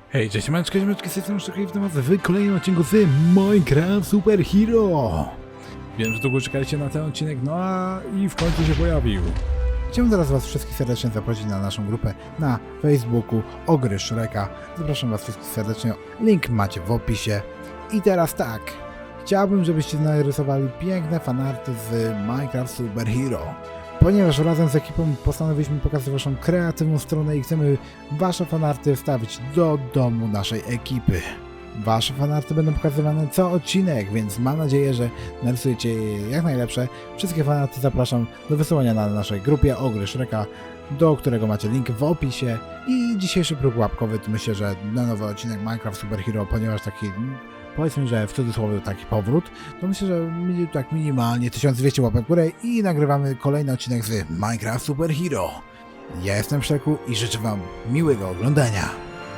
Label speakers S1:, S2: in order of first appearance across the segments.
S1: Hej, cześć, manczka, ziomeczki, z tej strony Szczekaj w temat w kolejnym odcinku z Minecraft Super Hero. Wiem, że długo czekaliście na ten odcinek, no a i w końcu się pojawił. Chciałbym teraz was wszystkich serdecznie zaprosić na naszą grupę na Facebooku Ogry Shreka. Zapraszam was wszystkich serdecznie, link macie w opisie. I teraz tak, chciałbym, żebyście narysowali piękne fanarty z Minecraft Super Hero. Ponieważ razem z ekipą postanowiliśmy pokazać waszą kreatywną stronę i chcemy wasze fanarty wstawić do domu naszej ekipy. Wasze fanarty będą pokazywane co odcinek, więc mam nadzieję, że narysujecie je jak najlepsze. Wszystkie fanarty zapraszam do wysyłania na naszej grupie Ogry Shreka, do którego macie link w opisie. I dzisiejszy próg łapkowy to myślę, że na nowy odcinek Minecraft Super Hero, ponieważ taki, powiedzmy, że w cudzysłowie taki powrót, to myślę, że tak minimalnie 1200 łapek w górę i nagrywamy kolejny odcinek z Minecraft Super Hero. Ja jestem Szeku i życzę wam miłego oglądania.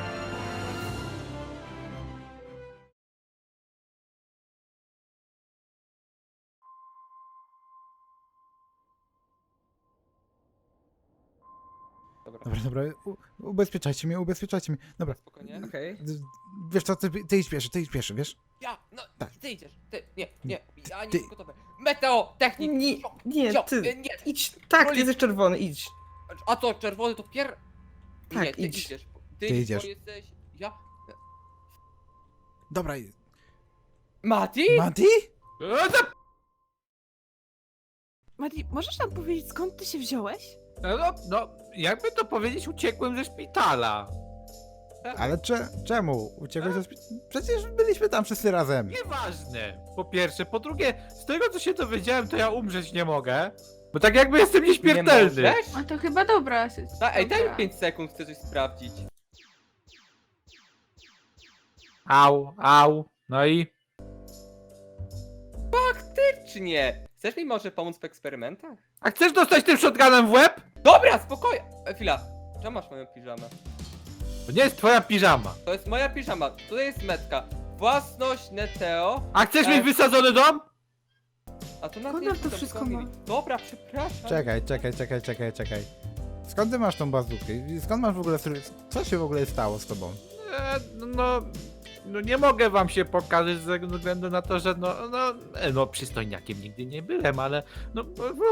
S1: Dobra, ubezpieczajcie mnie. Dobra,
S2: Spokojnie.
S3: Okej.
S1: wiesz co, ty idź pierwszy, wiesz?
S2: Ja, no,
S1: Tak.
S2: ty idziesz, ty, nie, ja nie
S1: Ty.
S2: jestem gotowy. Meteo, technik,
S3: Nie, ty.
S2: nie,
S3: Idź. Tak, ty
S2: Królik.
S3: jesteś czerwony, idź.
S2: a to czerwony to
S3: Tak,
S2: nie, ty
S3: idź.
S2: idziesz.
S1: Ty
S2: Ty
S1: idziesz.
S2: Bo jesteś, ja,
S1: Dobra,
S2: Mati?
S1: Mati?
S4: Mati, możesz nam powiedzieć, skąd ty się wziąłeś?
S5: No, jakby to powiedzieć, uciekłem ze szpitala.
S1: Ale czemu? Uciekłeś ze szpitala? Przecież byliśmy tam wszyscy razem.
S5: Nieważne, po pierwsze. Po drugie, z tego co się dowiedziałem, to ja umrzeć nie mogę. Bo tak jakby jestem nieśmiertelny.
S2: Nie możesz?
S4: A to chyba dobra.
S2: Ej, daj mi 5 sekund, chcę coś sprawdzić.
S5: Au. No i?
S2: Czy nie? Chcesz mi może pomóc w eksperymentach?
S5: A chcesz dostać tym shotgunem w łeb?
S2: Dobra, spokojnie. Chwila, czemu masz moją piżamę?
S5: To nie jest twoja piżama.
S2: To jest moja piżama, tutaj jest metka. Własność Neteo,
S5: A chcesz mieć wysadzony dom?
S2: a to na
S4: Skąd
S2: tym
S4: on to wszystko ma?
S2: Dobra, przepraszam.
S1: Czekaj. Skąd ty masz tą bazookę? Skąd masz w ogóle... Co się w ogóle stało z tobą?
S5: No nie mogę wam się pokazać ze względu na to, że no przystojniakiem nigdy nie byłem, ale no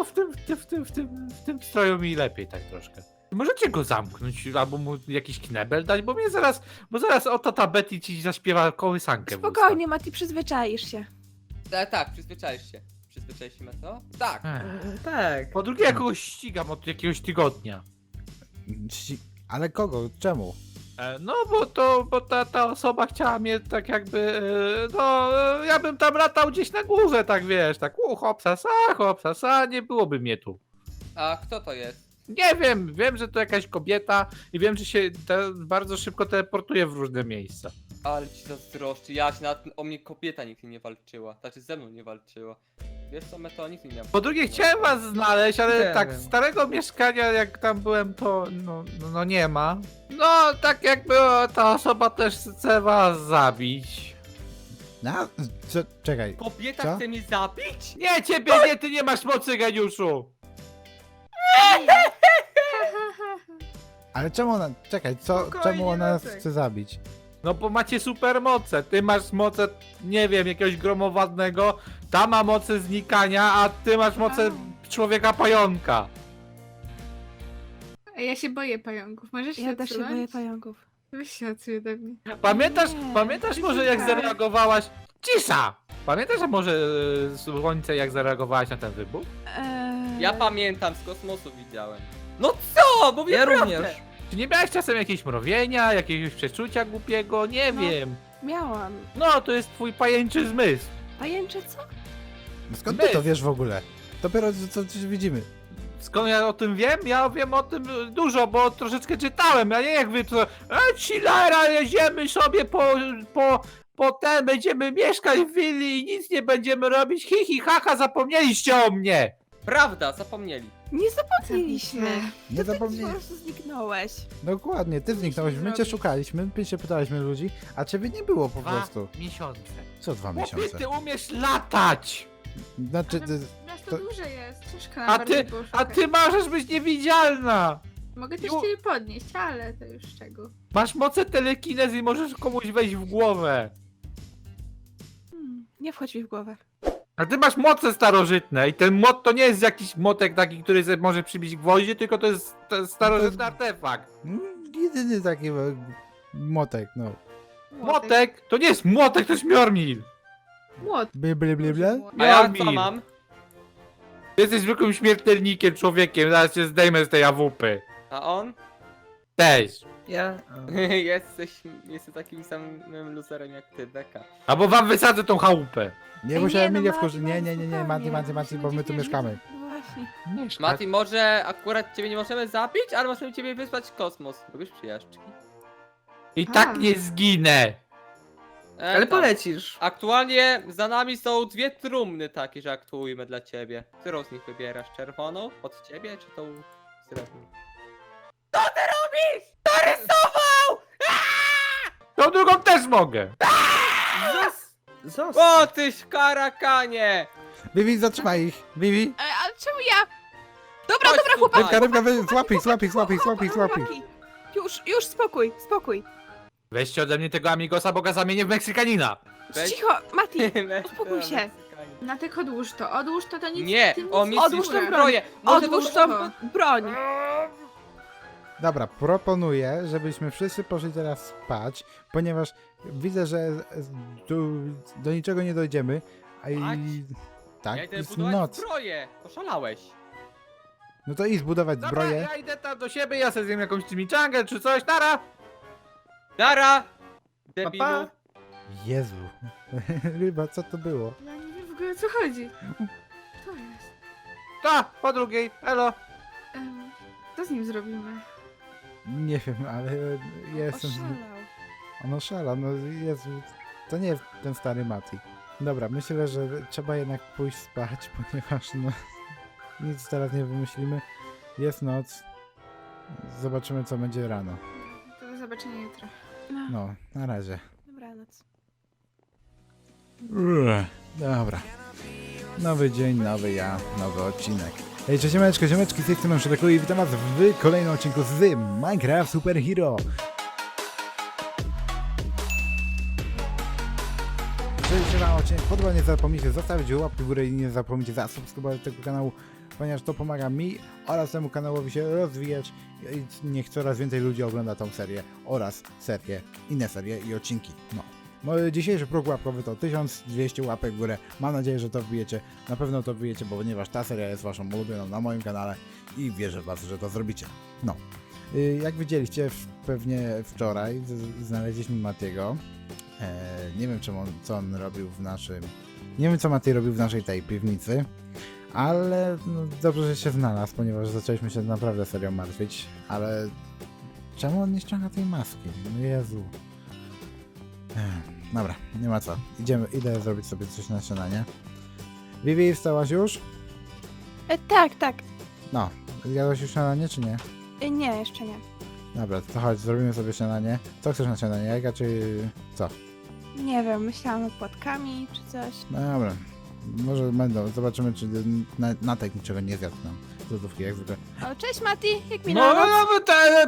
S5: w tym stroju mi lepiej tak troszkę. Możecie go zamknąć albo mu jakiś knebel dać, bo zaraz oto ta Betty ci zaśpiewa kołysankę w usta.
S4: Spokojnie, Mati, przyzwyczaisz się.
S2: Tak, przyzwyczaisz się. Przyzwyczaisz się, Meto? Tak.
S3: Tak.
S5: Po drugie, ja kogoś ścigam od jakiegoś tygodnia.
S1: Ale kogo? Czemu?
S5: No bo ta osoba chciała mnie tak jakby, ja bym tam latał gdzieś na górze, tak wiesz, tak hopsasa, nie byłoby mnie tu.
S2: A kto to jest?
S5: Nie wiem, że to jakaś kobieta i wiem, że się bardzo szybko teleportuje w różne miejsca.
S2: Ale ci zazdroszczy, o mnie kobieta nigdy nie walczyła. Znaczy ze mną nie walczyła. Wiesz co, Meto, nic mi nie
S5: Po drugie, chciałem was znaleźć, ale
S3: Nie
S5: tak,
S3: wiem.
S5: starego mieszkania jak tam byłem, to no nie ma. No, tak jakby ta osoba też chce was zabić.
S1: No, czekaj.
S2: Kobieta
S1: Co?
S2: chce mnie zabić?
S5: Nie, ciebie nie, ty nie masz mocy, geniuszu!
S1: Ale czemu ona... Czekaj,
S3: Spokojnie,
S1: czemu ona nas
S3: Jacek.
S1: chce zabić?
S5: No bo macie super moce, ty masz moce, nie wiem, jakiegoś gromowadnego, ta ma moce znikania, a ty masz moce człowieka pająka.
S6: A ja się boję pająków. Możesz się
S4: Ja też się
S6: odsunąć?
S4: boję pająków.
S6: Weź się odsuń ode mnie.
S5: Pamiętasz może jak
S6: tak.
S5: zareagowałaś... Cisza! Pamiętasz może Słońce jak zareagowałaś na ten wybuch?
S2: Ja pamiętam, z kosmosu widziałem. No co? Mówię
S3: Ja
S2: prawdę.
S3: również.
S5: Czy nie miałeś czasem jakiegoś mrowienia, jakiegoś przeczucia głupiego? Nie
S4: No.
S5: wiem.
S4: Miałam.
S5: No, to jest twój pajęczy zmysł.
S4: Pajęcze co?
S1: No skąd ty to
S5: Bez.
S1: wiesz w ogóle? Dopiero co widzimy.
S5: Skąd ja o tym wiem? Ja wiem o tym dużo, bo troszeczkę czytałem, a nie jak wy to... Chillera, jedziemy sobie po będziemy mieszkać w willi i nic nie będziemy robić. Hi, haha, zapomnieliście o mnie!
S2: Prawda, zapomnieli.
S4: Nie zapomnieliśmy.
S1: Nie
S4: Ty po
S1: zapomnij.
S4: prostu zniknąłeś.
S1: Dokładnie, ty zniknąłeś, my cię
S6: zrobić?
S1: szukaliśmy, my się pytaliśmy ludzi, a ciebie nie było po
S5: 2
S1: prostu.
S5: miesiące.
S1: Co 2
S5: Chłopie,
S1: miesiące?
S5: ty umiesz latać!
S1: Znaczy,
S6: Ale miasto
S1: to-
S6: duże jest. Ciężko
S5: A
S6: nam bardziej
S5: ty,
S6: było
S5: a
S6: szukać.
S5: ty możesz być niewidzialna!
S6: Mogę też
S5: Jo.
S6: cię podnieść, ale to już czego.
S5: Masz moce telekinezy i możesz komuś wejść w głowę.
S4: Nie wchodź mi w głowę.
S5: A ty masz moce starożytne i ten mot to nie jest jakiś motek taki, który sobie może przybić gwoździe, tylko to jest starożytny artefakt.
S1: Jedyny taki motek, no.
S5: Motek to nie jest młotek, to jest Mjormil.
S6: Młot.
S1: Ble, ble, ble, ble.
S2: A ja co
S5: Mjolnir.
S2: mam?
S5: Ty jesteś zwykłym śmiertelnikiem, człowiekiem, zaraz cię zdejmę z tej awupy.
S2: A on?
S5: Też.
S3: Ja...
S2: Jesteś takim samym loserem jak ty, Beka.
S5: Albo wam wysadzę tą chałupę.
S1: Nie musiałem
S4: no,
S1: mnie
S4: Mati,
S1: wkurzyć. Nie,
S4: spokojnie,
S1: Mati, bo my tu mieszkamy.
S4: No właśnie.
S2: Mati, może akurat ciebie nie możemy zabić, ale możemy ciebie wysłać w kosmos. Lubisz przyjażdżki?
S5: I
S6: A.
S5: tak nie zginę.
S3: Ale
S2: tam.
S3: polecisz.
S2: Aktualnie za nami są dwie trumny takie, że aktujemy dla ciebie. Którą z nich wybierasz? Czerwoną od ciebie, czy tą srebrną? Co ty robisz? Narysował!
S5: Tą drugą też mogę.
S3: Zostaw.
S2: O, tyś karakanie!
S1: Vivi, zatrzymaj ich. Vivi.
S4: Ale czemu ja? Dobra,
S2: Chodź
S4: dobra,
S2: tutaj.
S4: chłopaki.
S1: Rybka, rybka,
S4: chłopaki,
S1: złapij,
S4: chłopaki,
S1: złapij, złapij, złapij.
S4: chłopaki. Już, spokój, spokój.
S5: Weźcie ode mnie tego amigosa, bo go zamienię w Meksykanina.
S2: Weź-
S4: Cicho, Mati. Uspokój się.
S6: Natek odłóż to nic.
S2: Nie,
S6: ty nic
S2: on mi
S6: nie
S4: Odłóż tą
S6: słucha.
S2: zbroję. Może
S4: Odłóż
S2: to
S4: tą broń.
S1: Dobra, proponuję, żebyśmy wszyscy poszli teraz spać, ponieważ widzę, że do niczego nie dojdziemy, a i...
S2: Spać?
S1: Tak,
S2: Ja idę
S1: jest
S2: budować
S1: noc.
S2: zbroję. Oszalałeś.
S1: No to idź zbudować
S5: Dobra,
S1: zbroję.
S5: ja idę tam do siebie, ja sobie zjem jakąś chimichangę czy coś, nara!
S2: Nara! Debilu.
S3: Pa, pa.
S1: Jezu. Ryba, co to było?
S6: Ja nie wiem w ogóle o co chodzi. To jest.
S5: Ta, po drugiej, elo.
S6: Co z nim zrobimy?
S1: Nie wiem, ale ja jestem...
S4: Oszalał.
S1: On oszala, no Jezu. To nie jest ten stary Mati. Dobra, myślę, że trzeba jednak pójść spać, ponieważ no... Nic teraz nie wymyślimy. Jest noc. Zobaczymy, co będzie rano.
S6: To do zobaczenia jutro.
S1: No, na razie.
S4: Dobranoc.
S1: Dobra. Nowy dzień, nowy ja, nowy odcinek. Hej, cześć ziomeczki, z tej strony Szydeku i witam was w kolejnym odcinku z Minecraft Super Hero. Jeżeli się wam odcinek podoba, nie zapomnijcie zostawić łapki w górę i nie zapomnijcie zasubskrybować tego kanału, ponieważ to pomaga mi oraz temu kanałowi się rozwijać i niech coraz więcej ludzi ogląda tą serię oraz inne serie i odcinki. No. Mój dzisiejszy próg łapkowy to 1200 łapek w górę. Mam nadzieję, że to wbijecie. Na pewno to wbijecie, ponieważ ta seria jest waszą ulubioną na moim kanale i wierzę w was, że to zrobicie. No. Jak widzieliście pewnie wczoraj znaleźliśmy Matiego. Nie wiem co on robił w naszym... Nie wiem co Mati robił w naszej tej piwnicy. Ale no, dobrze, że się znalazł, ponieważ zaczęliśmy się naprawdę serio martwić. Ale czemu on nie ściąga tej maski? No Jezu. Dobra, nie ma co. Idę zrobić sobie coś na śniadanie. Vivi, wstałaś już?
S4: Tak.
S1: No, zjadłaś już śniadanie, czy nie?
S4: Nie, jeszcze nie.
S1: Dobra, to chodź, zrobimy sobie śniadanie. Co chcesz na śniadanie, jajka czy co?
S4: Nie wiem, myślałam nad płatkami czy coś.
S1: No dobra, może będą, zobaczymy czy Natek niczego nie zjadł nam. Z lodówki, jak zwykle.
S4: O, cześć Mati, jak
S5: No,
S4: minęła noc?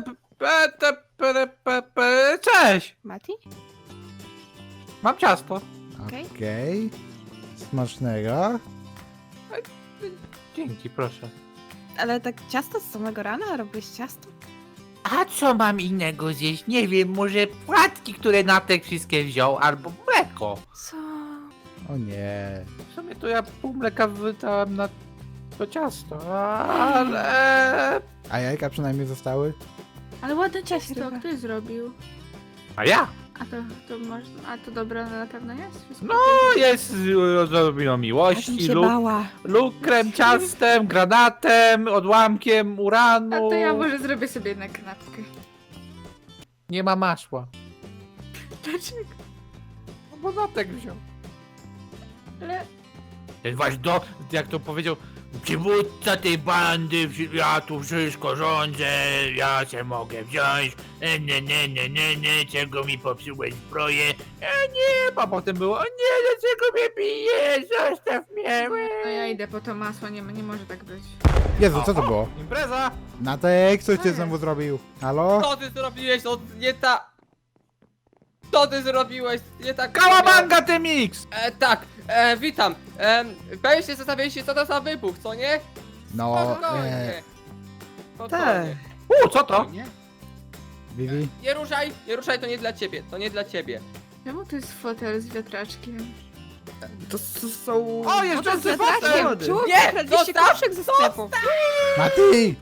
S5: cześć!
S4: Mati?
S5: Mam ciasto.
S4: Okej.
S1: Okej. Smacznego.
S5: Dzięki, proszę.
S4: Ale tak ciasto z samego rana? Robiłeś ciasto?
S5: A co mam innego zjeść? Nie wiem, może płatki, które Natek wszystkie wziął, albo mleko.
S4: Co?
S1: O nie.
S5: W sumie to ja pół mleka wydałem na to ciasto, ale...
S1: A jajka przynajmniej zostały?
S6: Ale ładne
S4: Cześć,
S6: ciasto,
S4: ryba.
S6: kto je zrobił?
S5: A ja?
S6: To można. A to dobre na pewno jest? Wszystko
S5: No, jest z odrobiną
S4: Ja bym
S5: miłości
S4: się
S5: lub
S4: bała.
S5: lukrem, ciastem, granatem, odłamkiem
S6: A
S5: uranu.
S6: to ja może zrobię sobie jednak kanapkę.
S5: Nie ma masła.
S6: Dlaczego?
S5: No bo Natek wziął.
S6: Ale
S5: Ten wasz jak to powiedział, przywódca tej bandy, ja tu wszystko rządzę, ja się mogę wziąć, nie, czego mi popsułeś zbroję, nie, a potem było, nie, dlaczego mnie bijesz, zostaw mnie.
S6: no ja idę po to masło, nie może tak być.
S1: Jezu, co to było?
S5: Impreza!
S1: Natek, coś
S6: Co
S1: ty
S6: jest?
S1: znowu zrobił? Halo?
S2: Co ty zrobiłeś? No nie ta... Co ty zrobiłeś? Nie tak...
S5: Kałabanga ty mix!
S2: Tak, witam. Pewnie się zastanawialiście, co to za wybuch, co nie?
S1: No,
S2: Spokojnie.
S3: Tak.
S5: Co to?
S1: Vivi?
S2: Nie ruszaj, to nie dla ciebie, to nie dla ciebie.
S6: Czemu to jest fotel z wiatraczkiem?
S3: To są...
S5: O, jeżdżący
S3: Fotel!
S5: fotel!
S4: Czemu
S2: Nie,
S4: kradliście
S2: zostaw,
S4: koszek ze sklepu?
S1: Mati!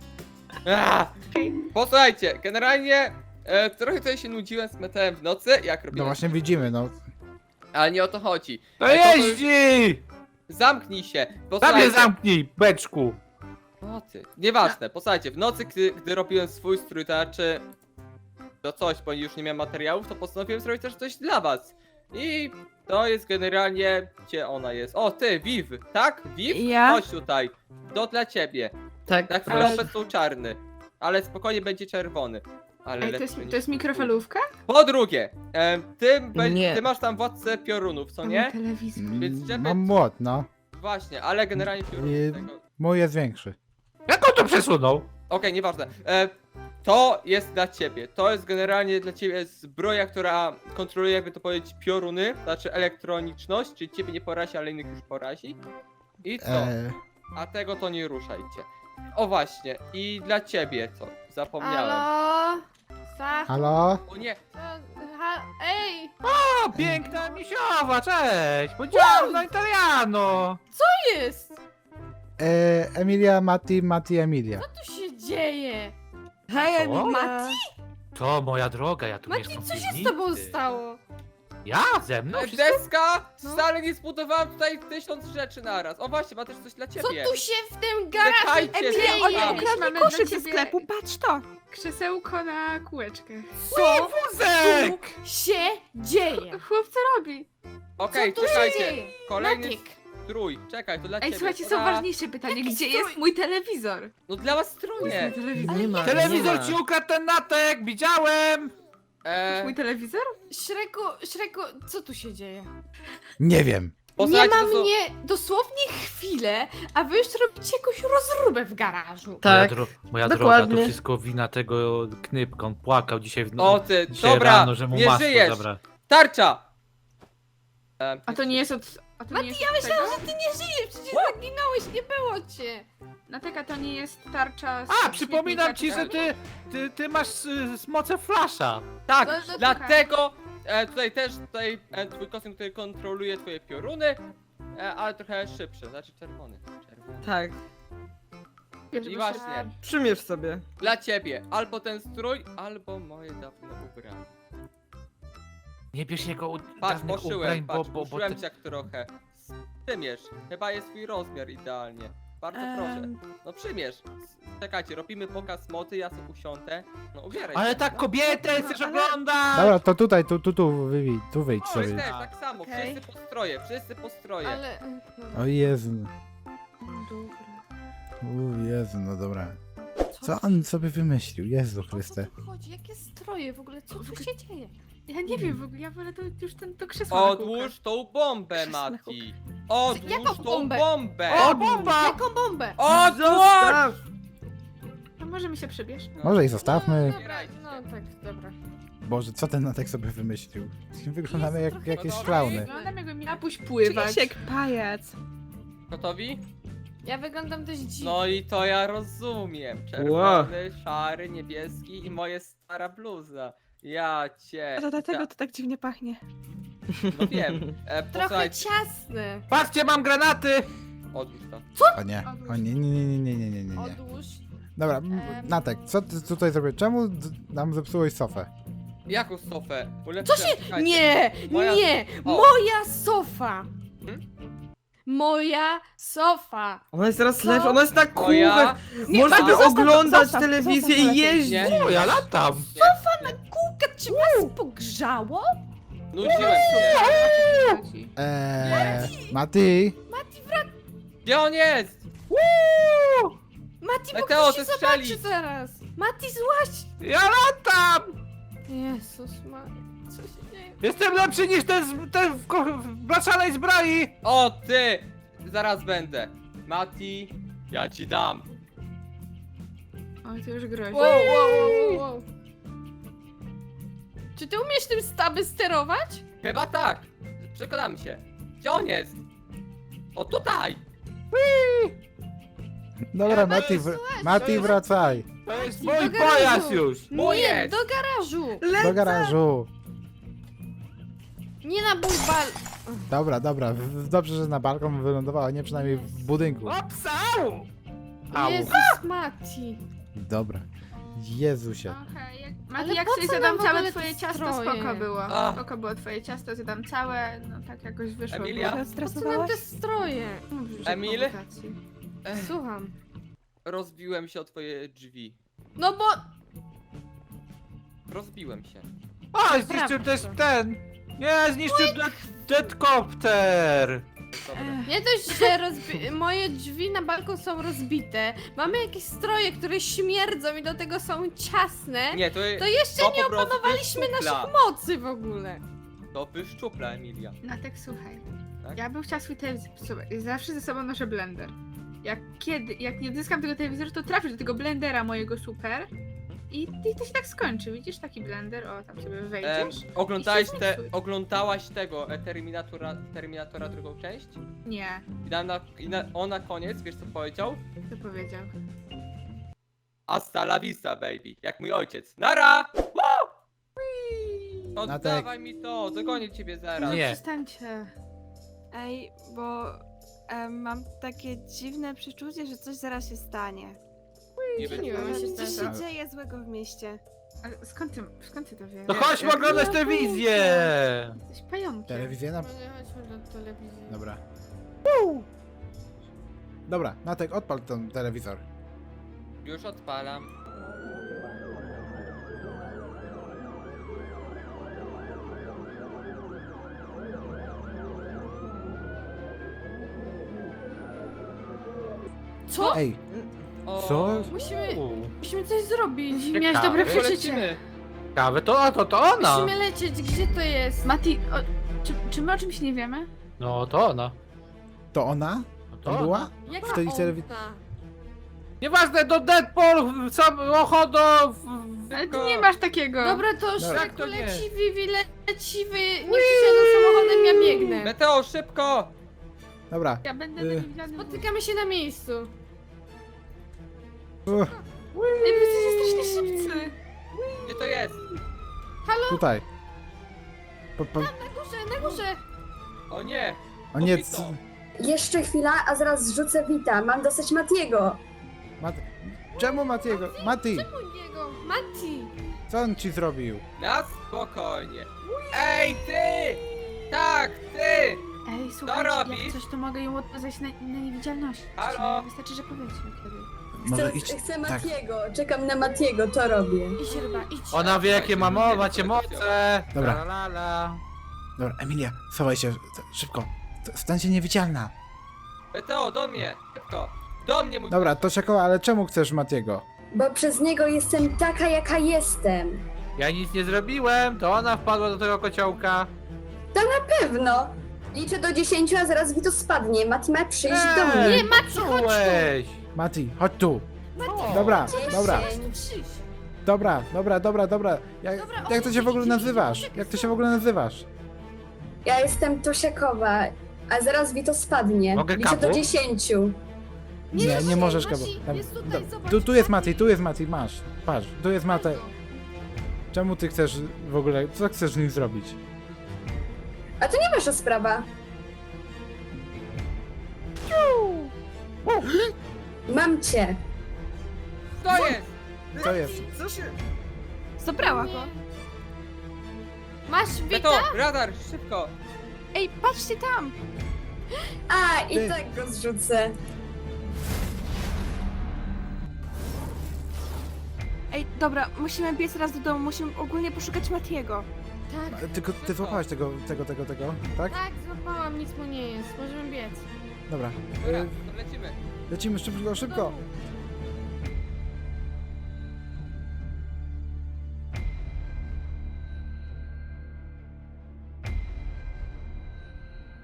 S2: Posłuchajcie, generalnie trochę tutaj się nudziłem z metalem w nocy, jak
S1: No
S2: robiłem,
S1: właśnie widzimy, no.
S2: ale nie o to chodzi.
S5: To
S2: To
S5: jeździ!
S2: Zamknij się,
S5: Tam mnie
S2: posłuchajcie.
S5: zamknij, beczku!
S2: O ty, nieważne, posłuchajcie, w nocy, gdy robiłem swój strój, to znaczy... To coś, bo już nie miałem materiałów, to postanowiłem zrobić też coś dla was. I to jest generalnie... Gdzie ona jest? O, ty, Viv, tak? Viv?
S4: Ja?
S2: Chodź tutaj. To dla ciebie.
S3: Tak,
S2: Na chwilę obecną czarny. Ale spokojnie będzie czerwony. Ale
S6: Ej,
S2: lepszy niż...
S6: to jest mikrofalówka?
S2: Po drugie,
S3: Nie.
S2: ty masz tam władcę piorunów, co
S6: To
S2: nie?
S6: mój telewizor.
S2: Więc żeby-
S1: Mam młot, no.
S2: Właśnie, ale generalnie piorunów
S1: I-
S2: tego...
S1: Mój jest większy.
S5: Jak on to przesunął?
S2: Okej, nieważne. To jest dla ciebie. To jest generalnie dla ciebie zbroja, która kontroluje, jakby to powiedzieć, pioruny, znaczy elektroniczność, czyli ciebie nie porazi, ale innych już porazi. I co? A tego to nie ruszajcie. O właśnie, i dla ciebie co? Zapomniałem.
S6: Halo?
S1: Halo?
S2: O nie,
S6: Ej!
S5: O, piękna misiowa, cześć! Buongiorno italiano!
S6: Co jest?
S1: Emilia, Mati, Emilia.
S6: Co tu się dzieje?
S4: Hej,
S5: Co?
S4: Emilia.
S5: To moja droga, ja tu
S6: Mati,
S5: mieszkam
S6: co
S5: w
S6: się z
S5: piwnicy.
S6: tobą stało?
S5: Ja? Ze mną? Wszystko?
S2: deska!
S6: No.
S2: Wcale nie zbudowałem tutaj 1000 rzeczy naraz. O właśnie, ma też coś dla
S6: Co
S2: ciebie.
S6: tu się w tym garażu
S2: Czekajcie,
S6: dzieje?
S2: czekajcie.
S4: Oni
S2: Mamy
S4: ukradli
S6: dla
S4: koszyk ze
S6: ciebie
S4: sklepu, patrz to!
S6: Krzesełko na kółeczkach.
S4: Co
S5: Wózek!
S4: się dzieje?
S6: Chłop, co robi?
S2: Okej,
S6: Co tu się
S2: czekajcie.
S6: dzieje?
S2: Kolejny
S6: Maciek.
S2: strój. Czekaj, to dla
S6: Ej,
S2: ciebie.
S6: słuchajcie, są
S2: Ura.
S6: ważniejsze pytanie. Gdzie jest mój telewizor?
S2: No dla was stronie.
S3: Nie ma,
S5: Telewizor
S3: nie ma.
S5: ci ukradł ten natek, widziałem!
S6: Mój telewizor?
S4: Szreku, co tu się dzieje?
S1: Nie wiem.
S2: Posłuchajcie,
S4: nie ma
S2: to są-
S4: mnie dosłownie chwilę, a wy już robicie jakąś rozróbę w garażu.
S3: Tak.
S5: Moja droga,
S3: dokładnie.
S5: to wszystko wina tego knypka, on płakał dzisiaj w
S2: O ty,
S5: dzisiaj
S2: dobra,
S5: rano, że mu
S2: nie
S5: masło
S2: żyjesz.
S5: zabra.
S2: Tarcza!
S6: A to nie jest od... A to nie jest od
S4: Myślałam,
S6: tego?
S4: że ty nie żyjesz, przecież zaginąłeś, nie było cię.
S6: Nateka, to nie jest tarcza z
S5: A, przypominam ci, że ty masz moce flasha.
S2: Tak,
S6: No,
S2: dlatego tutaj też twój kostium, który kontroluje twoje pioruny, ale trochę szybszy, znaczy czerwony.
S3: Tak.
S2: I właśnie,
S3: Przymierz sobie.
S2: dla ciebie albo ten strój, albo moje dawne ubranie.
S5: Nie bierz jego
S2: Patrz,
S5: dawnych
S2: poszyłem,
S5: ubrań,
S2: patrz,
S5: bo
S2: poszyłem
S5: ty...
S2: cię jak trochę. Przymierz, chyba jest twój rozmiar idealnie. Bardzo proszę. No przymierz. Czekajcie, robimy pokaz moty, ja sobie usiądę. No ubieraj
S5: Ale
S2: się.
S5: tak kobietę chcesz oglądać!
S1: Dobra, to tutaj, tu, Vivi, tu wyjdź
S2: No,
S1: sobie.
S2: jest też tak samo,
S4: Okej.
S2: wszyscy po stroje.
S6: Ale...
S1: O Jezu.
S6: Dobra.
S1: O Jezu, no dobra. Co on sobie wymyślił? Jezu Chryste.
S4: O co tu chodzi? Jakie stroje w ogóle? Co tu się dzieje?
S6: Ja nie wiem w ogóle, ja wolę to już to krzesło na kółkach.
S2: Odłóż tą bombę, Mati! Odłóż
S4: Jaką
S2: tą
S4: bombę?
S2: bombę!
S5: O, bomba!
S4: Jaką bombę?
S2: Odłóż!
S3: Zostaw!
S6: No możemy się przebierz.
S1: Może i zostawmy.
S6: Dobra, no tak, dobra.
S1: Boże, co ten Natek sobie wymyślił? Wyglądamy jak jakieś klauny.
S6: Wyglądam jakbym miała pójść pływać.
S4: Czuję się jak pajac.
S2: Gotowi?
S4: Ja wyglądam dość dziwnie.
S2: No i to ja rozumiem. Czerwony, szary, niebieski i moje stara bluza. Ja cię.
S4: A to dlatego to tak dziwnie pachnie.
S2: No wiem.
S4: Trochę
S2: Posłuchajcie.
S4: ciasny.
S5: Patrzcie, mam granaty!
S2: Odłóż to.
S1: O nie, o nie.
S4: Odłóż.
S1: Dobra, Natek, co ty tutaj zrobiłeś? Czemu nam zepsułeś sofę?
S2: Jaką sofę?
S4: Co się... Nie!
S2: Moja-
S4: Nie!
S2: O.
S4: Moja sofa!
S2: Hmm?
S4: Moja sofa!
S3: Ona jest teraz
S4: Co?
S3: lew, ona jest na
S2: Moja...
S3: kółkach.
S4: Nie,
S3: Można by
S4: zostaw,
S3: oglądać
S4: zostaw,
S3: telewizję
S4: zostaw
S3: i
S4: lepiej.
S3: jeździć.
S2: Nie.
S5: O, ja latam!
S4: Kółka, czy was pogrzało?
S2: Nudziłem się.
S1: Mati?
S2: Gdzie on jest?
S4: Mati, bo
S2: Meteo,
S4: ktoś się
S2: zestrzelić.
S4: zobaczy zaraz! Mati, złaź!
S5: Ja latam!
S4: Jezus Maria, co się dzieje?
S5: Jestem lepszy niż ten w blaszanej zbroi!
S2: O ty! Zaraz będę. Mati, ja ci dam.
S6: Oj, to już grozi.
S4: Wow. Czy ty umiesz tym staby sterować?
S2: Chyba tak. Przekonamy się. Gdzie on jest? O, tutaj!
S1: Dobra, Mati, wracaj.
S5: To jest
S4: Do
S5: mój
S4: garażu.
S5: pojazd już!
S2: Mój
S4: Nie,
S2: jest.
S4: do garażu!
S1: Do garażu.
S4: Nie na mój bal...
S1: Dobra, dobrze, że na balkon wylądowała, nie przynajmniej w budynku.
S5: Opsał! Au.
S4: Jezus Mati.
S1: Dobra. Jezusie.
S6: Okej,
S4: Ale
S6: Mati, jak
S4: po
S6: sobie
S4: co nam
S6: zjadam
S4: w ogóle
S6: całe
S4: te
S6: twoje ciasto,
S4: stroje?
S6: spoko było.
S2: Ach.
S6: Spoko było twoje ciasto, zjadam całe, no tak jakoś wyszło.
S2: Emilia?
S6: Było.
S4: Po co nam te stroje?
S6: Dobrze, że
S2: Emil?
S6: prowokacji.
S4: Słucham.
S2: Rozbiłem się o twoje drzwi.
S4: No bo...
S2: Rozbiłem się.
S5: O, zniszczył też ten! Nie, zniszczył deadcopter!
S2: Dobra.
S4: Nie dość, że moje drzwi na balkon są rozbite. Mamy jakieś stroje, które śmierdzą i do tego są ciasne.
S2: Nie, to
S4: To jeszcze
S2: to
S4: nie
S2: po prostu
S4: opanowaliśmy
S2: wyszczupla.
S4: naszych mocy w ogóle.
S2: To wyszczupla, Emilia.
S6: No tak, słuchaj.
S2: Tak?
S6: Ja bym chciała swój telewizor. Słuchaj, zawsze ze sobą noszę blender. Jak nie odzyskam tego telewizoru, to trafisz do tego blendera mojego super. I to się tak skończy. Widzisz taki blender? O, tam sobie wejdziesz.
S2: Oglądałaś tego Terminatora drugą część?
S6: Nie,
S2: On na koniec, wiesz co powiedział?
S6: to powiedział.
S2: Hasta la vista, baby. Jak mój ojciec. Nara! Woo! Oddawaj mi to, dogonię ciebie zaraz.
S5: Nie.
S6: Przestańcie.
S7: Ej, bo mam takie dziwne przeczucie, że coś zaraz się stanie.
S2: Nie
S4: Nie
S2: będzie.
S4: wiem, się
S7: Coś
S4: stanie.
S7: się dzieje złego w mieście.
S6: Ale skąd ty to wiesz?
S5: To chodźmy oglądać telewizję!
S6: Jesteś pająkiem.
S1: Telewizję na...
S4: Może chodźmy do telewizji.
S1: Dobra. Dobra, Natek, odpal ten telewizor.
S2: Już odpalam.
S4: Co?
S1: Ej,
S2: O,
S1: co?
S4: Musimy coś zrobić.
S6: Miałeś
S5: Ciekawe.
S6: dobre
S2: to
S6: przeczucie.
S2: lecimy.
S5: Ciekawe, to ona!
S4: Musimy lecieć, gdzie to jest?
S6: Mati, czy my o czymś nie wiemy?
S5: No to ona.
S1: to ona?
S5: No to
S1: Tam
S5: ona.
S1: była?
S4: Jaka
S1: W tej
S4: ona?
S5: Nieważne, do Deadpool, samochód,
S6: Ale ty nie masz takiego.
S4: Dobra, to
S1: Dobra.
S5: Jak
S4: Szreku,
S5: to nie?
S4: leci Vivi, leci wy. Niech przyjadą samochodem, ja biegnę.
S2: Meteo, szybko!
S1: Dobra.
S6: Ja będę
S1: Y.
S6: na niewidzialnym.
S4: Spotykamy się na miejscu.
S6: Ej, wy jesteście strasznie szybcy.
S2: Gdzie to jest?
S1: Tutaj.
S4: Na górze, na górze.
S2: O nie!
S1: O nie,
S2: Pobito.
S8: Jeszcze chwila, a zaraz zrzucę Wita. Mam dosyć Matiego.
S1: Czemu Matiego? Mati,
S4: Czemu niego? Mati.
S1: co on ci zrobił?
S2: Na spokojnie. Ej, ty! Tak, ty!
S6: Ej, słuchajcie,
S2: robisz?
S6: jak coś to mogę ją odwiązać na niewidzialność.
S2: Halo?
S6: Wystarczy, że powiecie kiedy.
S8: Chcę
S1: Tak.
S8: Matiego. Czekam na Matiego, to robię.
S4: Idź ryba, idź.
S5: Ona wie jakie macie moce!
S1: Dobra.
S5: La, la, la.
S1: Dobra, Emilia, schowaj się, szybko. Stań się niewidzialna.
S2: Meteo, do mnie! Szybko! Do mnie, mój
S1: Dobra, to Szekoła, ale czemu chcesz Matiego?
S8: Bo przez niego jestem taka, jaka jestem.
S5: Ja nic nie zrobiłem, to ona wpadła do tego kociołka.
S8: Pewno. Liczę do 10, a zaraz Wito spadnie. Mati ma przyjść do mnie.
S4: Nie, Mati, chodź tu.
S5: Czułeś!
S1: Mati, chodź tu.
S5: O.
S1: Dobra, dobra,
S4: Przyjdź.
S1: dobra.
S4: Dobra,
S1: Jak to się w ogóle nazywasz? Jak to się w ogóle nazywasz?
S8: Ja jestem Tosiakowa, a zaraz Wito spadnie.
S5: Mogę
S8: Liczę do
S5: kapu?
S8: 10.
S1: Nie możesz go.
S4: Jest tutaj, zobacz.
S1: Tu jest Mati, masz. Patrz, tu jest Mati. Czemu ty chcesz w ogóle, co chcesz z nim zrobić?
S8: A to nie wasza sprawa. Mam cię.
S2: To jest!
S1: Co jest?
S7: Zabrała go.
S4: Masz Wita?
S2: Meteo, radar, szybko!
S7: Ej, patrzcie tam!
S8: A, i
S1: Ty.
S8: tak go zrzucę.
S7: Ej, dobra, musimy biec raz do domu, musimy ogólnie poszukać Matiego.
S4: Tak.
S1: Tylko ty złapałeś tego, tak?
S4: Tak, złapałam, nic mu nie jest. Możemy biec.
S1: Dobra.
S2: Dobra, to lecimy.
S1: Lecimy szybko.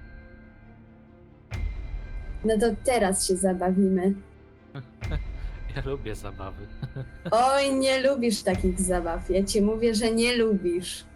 S8: No to teraz się zabawimy.
S5: Ja lubię zabawy.
S8: Oj, nie lubisz takich zabaw. Ja ci mówię, że nie lubisz.